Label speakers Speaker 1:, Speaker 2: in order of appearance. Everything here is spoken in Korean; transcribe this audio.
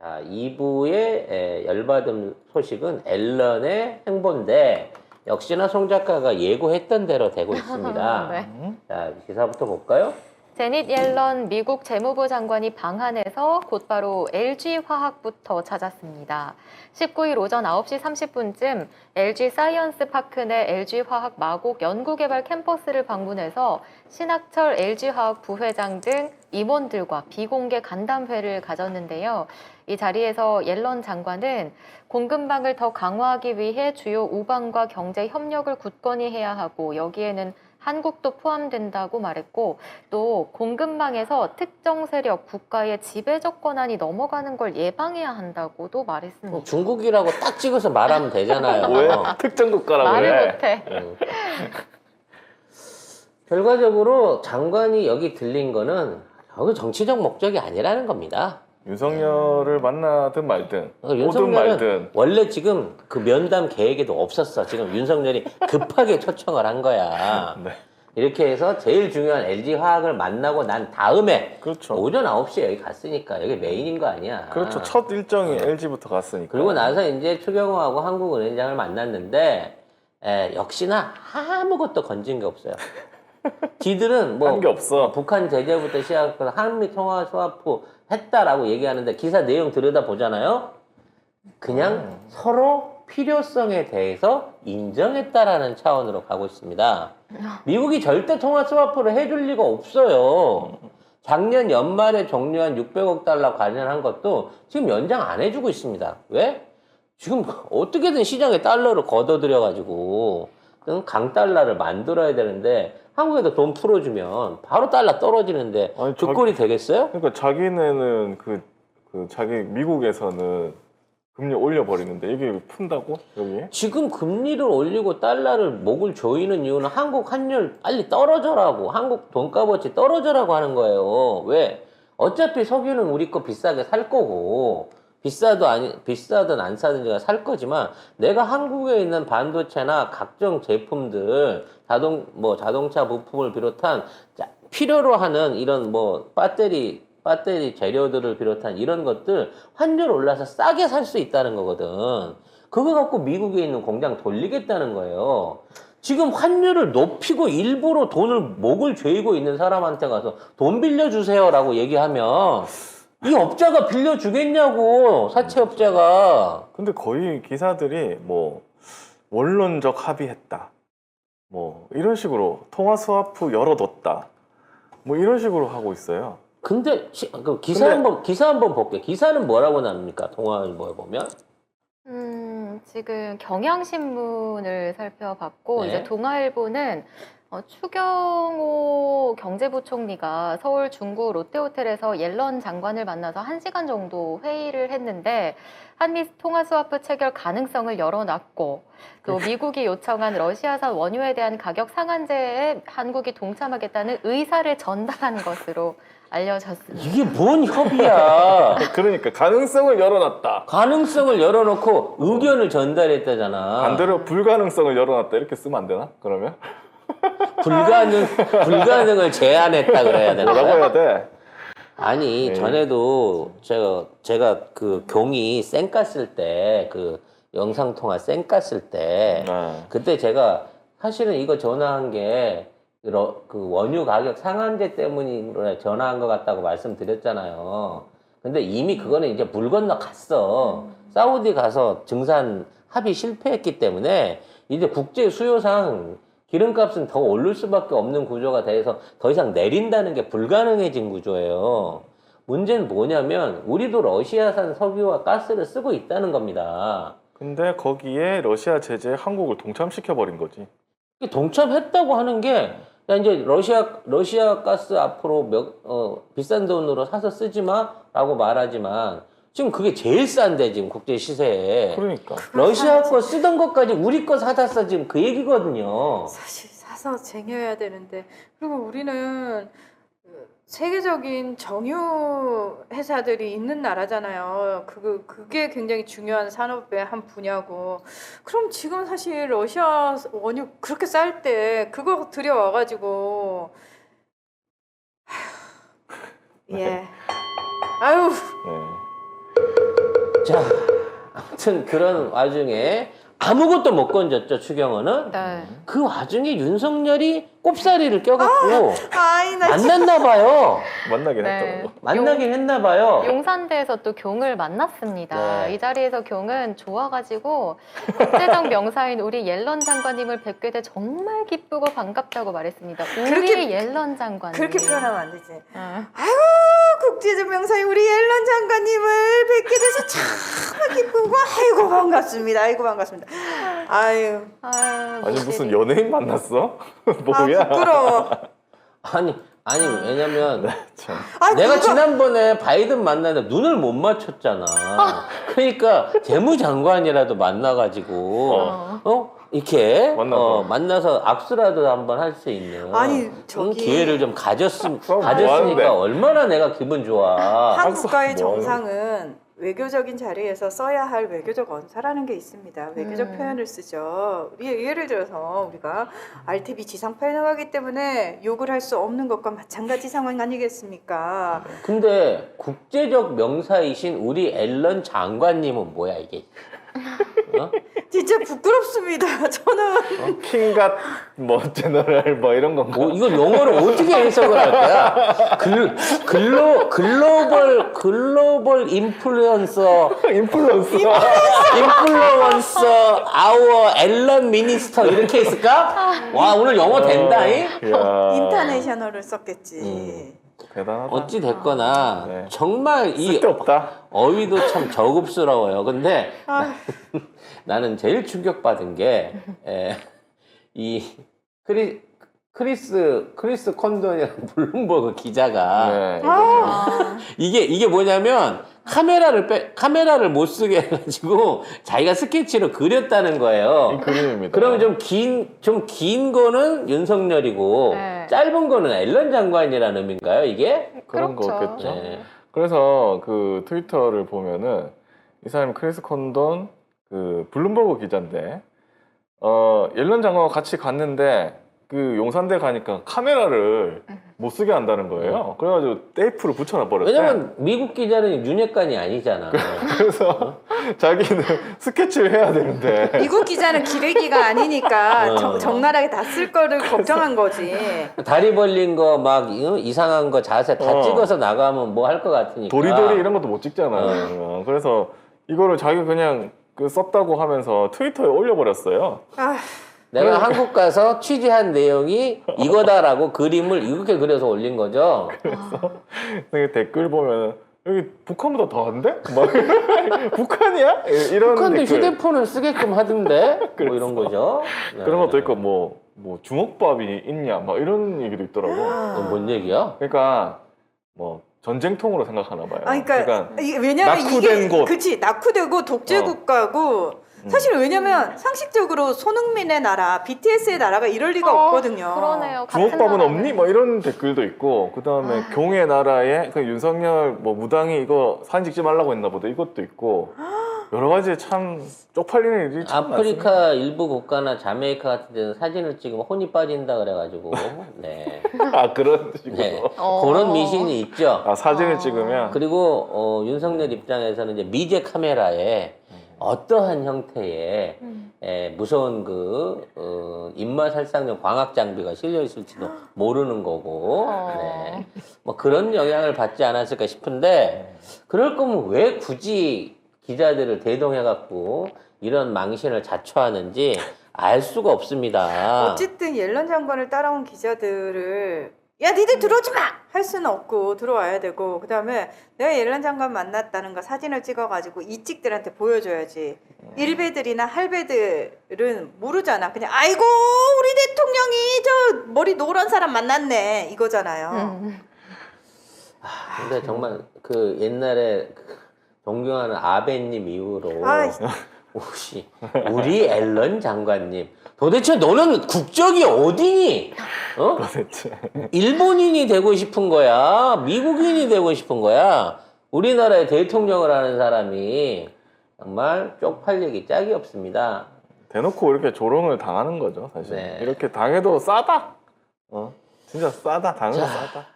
Speaker 1: 자, 2부의 열받은 소식은 앨런의 행보인데 역시나 송 작가가 예고했던 대로 되고 있습니다.
Speaker 2: 네.
Speaker 1: 자, 기사부터 볼까요?
Speaker 2: 제닛 옐런 미국 재무부 장관이 방한해서 곧바로 LG화학부터 찾았습니다. 19일 오전 9시 30분쯤 LG 사이언스 파크 내 LG화학 마곡 연구개발 캠퍼스를 방문해서 신학철 LG화학 부회장 등 임원들과 비공개 간담회를 가졌는데요. 이 자리에서 옐런 장관은 공급망을 더 강화하기 위해 주요 우방과 경제 협력을 굳건히 해야 하고 여기에는 한국도 포함된다고 말했고 또 공급망에서 특정 세력, 국가의 지배적 권한이 넘어가는 걸 예방해야 한다고도 말했습니다.
Speaker 1: 중국이라고 딱 찍어서 말하면 되잖아요.
Speaker 3: 왜? 특정 국가라고
Speaker 2: 말을
Speaker 3: 그래.
Speaker 2: 못해.
Speaker 1: 결과적으로 장관이 여기 들린 거는 여기 정치적 목적이 아니라는 겁니다.
Speaker 3: 윤석열을 만나든 말든 오든
Speaker 1: 윤석열은
Speaker 3: 말든
Speaker 1: 원래 지금 그 면담 계획에도 없었어. 지금 윤석열이 급하게 초청을 한 거야.
Speaker 3: 네.
Speaker 1: 이렇게 해서 제일 중요한 LG화학을 만나고 난 다음에
Speaker 3: 그렇죠.
Speaker 1: 오전 9시에 여기 갔으니까 여기 메인인 거 아니야.
Speaker 3: 그렇죠. 첫 일정이 LG부터 갔으니까.
Speaker 1: 그리고 나서 이제 추경호하고 한국은행장을 만났는데 역시나 아무것도 건진 게 없어요. 지들은 뭐
Speaker 3: 한 게 없어.
Speaker 1: 북한 제재부터 시작해서 한미 통화 스와프 했다라고 얘기하는데 기사 내용 들여다 보잖아요. 그냥 서로 필요성에 대해서 인정했다라는 차원으로 가고 있습니다. 미국이 절대 통화 스와프를 해줄 리가 없어요. 작년 연말에 종료한 600억 달러 관련한 것도 지금 연장 안 해주고 있습니다. 왜? 지금 어떻게든 시장에 달러를 걷어들여가지고 강달러를 만들어야 되는데 한국에도 돈 풀어주면 바로 달러 떨어지는데
Speaker 3: 아니,
Speaker 1: 그 꼴이 되겠어요?
Speaker 3: 그러니까 자기네는 자기 미국에서는 금리 올려버리는데 이게 푼다고 여기에?
Speaker 1: 지금 금리를 올리고 달러를 목을 조이는 이유는 한국 환율 빨리 떨어져라고, 한국 돈값어치 떨어져라고 하는 거예요. 왜? 어차피 석유는 우리 거 비싸게 살 거고 비싸든 안 사든지가 살 거지만 내가 한국에 있는 반도체나 각종 제품들 자동차 부품을 비롯한 필요로 하는 이런 배터리 재료들을 비롯한 이런 것들 환율 올라서 싸게 살 수 있다는 거거든. 그거 갖고 미국에 있는 공장 돌리겠다는 거예요. 지금 환율을 높이고 일부러 목을 죄이고 있는 사람한테 가서 돈 빌려주세요라고 얘기하면 이 업자가 빌려주겠냐고, 사채업자가.
Speaker 3: 근데 거의 기사들이 뭐 원론적 합의했다. 뭐 이런 식으로 통화 스와프 열어뒀다. 뭐 이런 식으로 하고 있어요.
Speaker 1: 근데 기사 한번 볼게요. 기사는 뭐라고 나옵니까? 통화일보에 보면.
Speaker 2: 지금 경향신문을 살펴봤고
Speaker 1: 네.
Speaker 2: 이제 동아일보는 추경호 경제부총리가 서울 중구 롯데호텔에서 옐런 장관을 만나서 1시간 정도 회의를 했는데 한미 통화 스와프 체결 가능성을 열어놨고 또 미국이 요청한 러시아산 원유에 대한 가격 상한제에 한국이 동참하겠다는 의사를 전달한 것으로 알려졌습니다.
Speaker 1: 이게 뭔 협의야.
Speaker 3: 그러니까 가능성을 열어놨다.
Speaker 1: 가능성을 열어놓고 의견을 전달했다잖아.
Speaker 3: 반대로 불가능성을 열어놨다 이렇게 쓰면 안 되나? 그러면?
Speaker 1: 불가능을 제안했다 그래야 되나?
Speaker 3: 뭐라고 해야 돼?
Speaker 1: 아니,
Speaker 3: 네.
Speaker 1: 전에도 제가 그 경이 쌩 깠을 때, 그 영상통화 쌩 깠을 때,
Speaker 3: 네.
Speaker 1: 그때 제가 사실은 이거 전화한 게 그 원유 가격 상한제 때문에 전화한 것 같다고 말씀드렸잖아요. 근데 이미 그거는 이제 물 건너 갔어. 사우디 가서 증산 합의 실패했기 때문에 이제 국제 수요상 기름값은 더 오를 수밖에 없는 구조가 돼서 더 이상 내린다는 게 불가능해진 구조예요. 문제는 뭐냐면 우리도 러시아산 석유와 가스를 쓰고 있다는 겁니다.
Speaker 3: 근데 거기에 러시아 제재에 한국을 동참시켜버린 거지.
Speaker 1: 동참했다고 하는 게 야, 이제 러시아 가스 앞으로 비싼 돈으로 사서 쓰지 마라고 말하지만 지금 그게 제일 싼데 지금 국제 시세에
Speaker 3: 그러니까.
Speaker 1: 러시아 거 쓰던 것까지 우리 거 사다 써 지금 그 얘기거든요.
Speaker 4: 사실 사서 쟁여야 되는데 그리고 우리는 세계적인 정유 회사들이 있는 나라잖아요. 그게 굉장히 중요한 산업의 한 분야고. 그럼 지금 사실 러시아 원유 그렇게 쌀 때 그거 들여와가지고 예. 아유.
Speaker 3: 네.
Speaker 1: 자, 아무튼 그런 와중에 아무것도 못 건졌죠, 추경호는.
Speaker 2: 네.
Speaker 1: 그 와중에 윤석열이 꼽사리를 껴갖고
Speaker 4: 아이 나
Speaker 1: 만났나 봐요.
Speaker 3: 만나긴
Speaker 2: 네.
Speaker 3: 했더라고.
Speaker 1: 만나긴 했나 봐요.
Speaker 2: 용산대에서 또 경을 만났습니다.
Speaker 1: 네.
Speaker 2: 이 자리에서 경은 좋아가지고 국제적 명사인 우리 옐런 장관님을 뵙게 돼 정말 기쁘고 반갑다고 말했습니다. 우리
Speaker 4: 그렇게-
Speaker 2: 옐런 장관님.
Speaker 4: 그렇게 표현하면 안 되지.
Speaker 2: 어.
Speaker 4: 아이고 국제적 명사인 우리 앨런 장관님을 뵙게 돼서 참 기쁘고 아이고 반갑습니다. 아이고 반갑습니다. 아유
Speaker 2: 아유,
Speaker 3: 아니
Speaker 2: 모질이.
Speaker 3: 무슨 연예인 만났어?
Speaker 4: 아
Speaker 3: 뭐야?
Speaker 4: 부끄러워.
Speaker 1: 아니 왜냐면
Speaker 3: 참.
Speaker 4: 아
Speaker 1: 내가
Speaker 4: 그거-
Speaker 1: 지난번에 바이든 만나는데 눈을 못 맞췄잖아. 그러니까 재무장관이라도 만나가지고 이렇게
Speaker 3: 만나서.
Speaker 1: 만나서 악수라도 한번 할 수 있는
Speaker 4: 아니, 저기-
Speaker 1: 기회를 좀
Speaker 3: 그럼
Speaker 1: 가졌으니까
Speaker 3: 뭐 하는데?
Speaker 1: 얼마나 내가 기분 좋아.
Speaker 4: 한 국가의
Speaker 3: 악수 뭐
Speaker 4: 정상은 외교적인 자리에서 써야 할 외교적 언사라는 게 있습니다. 외교적 표현을 쓰죠. 예를 들어서 우리가 RTV 지상파에 나가기 때문에 욕을 할 수 없는 것과 마찬가지 상황 아니겠습니까?
Speaker 1: 근데 국제적 명사이신 우리 앨런 장관님은 뭐야 이게? 어?
Speaker 4: 진짜 부끄럽습니다. 저는
Speaker 3: 킹갓 뭐 제너럴 뭐 이런 건가?
Speaker 1: 뭐 이걸 영어로 어떻게 해석을 할 거야? 글로벌 인플루언서 아워 앨런 미니스터 이렇게 했을까? 와 오늘 영어 된다잉?
Speaker 3: 이야,
Speaker 4: 인터내셔널을 썼겠지.
Speaker 3: 대단하다.
Speaker 1: 어찌 됐거나
Speaker 3: 네.
Speaker 1: 정말 이
Speaker 3: 쓸데없다.
Speaker 1: 어휘도 참 저급스러워요. 근데
Speaker 4: 아,
Speaker 1: 나는 제일 충격받은 게 이 크리스 콘돈이라는 블룸버그 기자가
Speaker 3: 네, 이거죠.
Speaker 2: 아,
Speaker 1: 이게 뭐냐면 카메라를 못 쓰게 해가지고 자기가 스케치로 그렸다는
Speaker 3: 이
Speaker 1: 거예요.
Speaker 3: 그림입니다.
Speaker 1: 그러면 좀 긴 거는 윤석열이고
Speaker 2: 네.
Speaker 1: 짧은 거는 앨런 장관이라는 의미인가요, 이게?
Speaker 3: 그런
Speaker 2: 그렇죠.
Speaker 3: 거겠죠.
Speaker 1: 네.
Speaker 3: 그래서 그 트위터를 보면은 이 사람이 크리스 콘돈 그 블룸버그 기자인데 옐런 장관과 같이 갔는데 그 용산대 가니까 카메라를 못 쓰게 한다는 거예요. 그래가지고 테이프를 붙여놔 버렸대.
Speaker 1: 왜냐면 미국 기자는 윤핵관이 아니잖아.
Speaker 3: 그래서 자기는 스케치를 해야 되는데
Speaker 4: 미국 기자는 기레기가 아니니까
Speaker 1: 어.
Speaker 4: 적나라하게 다 쓸 거를 걱정한 거지.
Speaker 1: 다리 벌린 거 막 이상한 거 자세 다 찍어서 나가면 뭐 할 것 같으니까.
Speaker 3: 도리도리 이런 것도 못 찍잖아요. 그래서 이거를 자기 그냥 그 썼다고 하면서 트위터에 올려버렸어요.
Speaker 4: 아,
Speaker 1: 내가 한국 가서 취재한 내용이 이거다라고 그림을 이렇게 그려서 올린 거죠.
Speaker 3: 근데 댓글 보면 여기 북한보다 더한데? 막 북한이야? 이런
Speaker 1: 북한도
Speaker 3: 댓글.
Speaker 1: 휴대폰을 쓰게끔 하던데 뭐
Speaker 3: 그랬어.
Speaker 1: 이런 거죠. 네.
Speaker 3: 그런 것도 있고 뭐 주먹밥이 있냐 막 이런 얘기도 있더라고.
Speaker 1: 그건 뭔 얘기야?
Speaker 3: 그러니까 뭐 전쟁통으로 생각하나 봐요.
Speaker 4: 아, 그러니까 왜냐면
Speaker 3: 낙후된
Speaker 4: 이게
Speaker 3: 곳.
Speaker 4: 그치 낙후되고 독재 국가고 사실 왜냐면 상식적으로 손흥민의 나라, BTS의 나라가 이럴 리가 없거든요.
Speaker 2: 그러네요. 같은
Speaker 3: 주먹밥은
Speaker 2: 나라는.
Speaker 3: 없니? 뭐 이런 댓글도 있고 그 다음에 경의 나라에 그 윤석열 뭐 무당이 이거 사진 찍지 말라고 했나 보다 이것도 있고 여러 가지 참 쪽팔리는 일이 참 많습니다.
Speaker 1: 아프리카 일부 국가나 자메이카 같은 데는 사진을 찍으면 혼이 빠진다 그래가지고 네,
Speaker 3: 아 그런 식으로
Speaker 1: 네.
Speaker 2: 어.
Speaker 1: 그런 미신이 있죠.
Speaker 3: 아 사진을 찍으면
Speaker 1: 그리고 윤석열 입장에서는 이제 미제 카메라에 어떠한 형태의 무서운 입맛 살상용 광학 장비가 실려 있을지도 모르는 거고, 네. 뭐 그런 영향을 받지 않았을까 싶은데, 그럴 거면 왜 굳이 기자들을 대동해갖고 이런 망신을 자초하는지 알 수가 없습니다.
Speaker 4: 어쨌든 옐런 장관을 따라온 기자들을 야 니들 들어오지 마! 할 수는 없고 들어와야 되고 그 다음에 내가 옐런 장관 만났다는 거 사진을 찍어가지고 이찍들한테 보여줘야지. 일베들이나 할배들은 모르잖아. 그냥 아이고 우리 대통령이 저 머리 노란 사람 만났네 이거잖아요.
Speaker 1: 근데 정말 그 옛날에 존경하는 아베님 이후로
Speaker 4: 아,
Speaker 1: 혹시 우리 앨런 장관님 도대체 너는 국적이 어디니? 어?
Speaker 3: 도대체
Speaker 1: 일본인이 되고 싶은 거야? 미국인이 되고 싶은 거야? 우리나라의 대통령을 하는 사람이 정말 쪽팔리기 짝이 없습니다.
Speaker 3: 대놓고 이렇게 조롱을 당하는 거죠 사실.
Speaker 1: 네.
Speaker 3: 이렇게 당해도 싸다. 진짜 싸다. 당해도 싸다.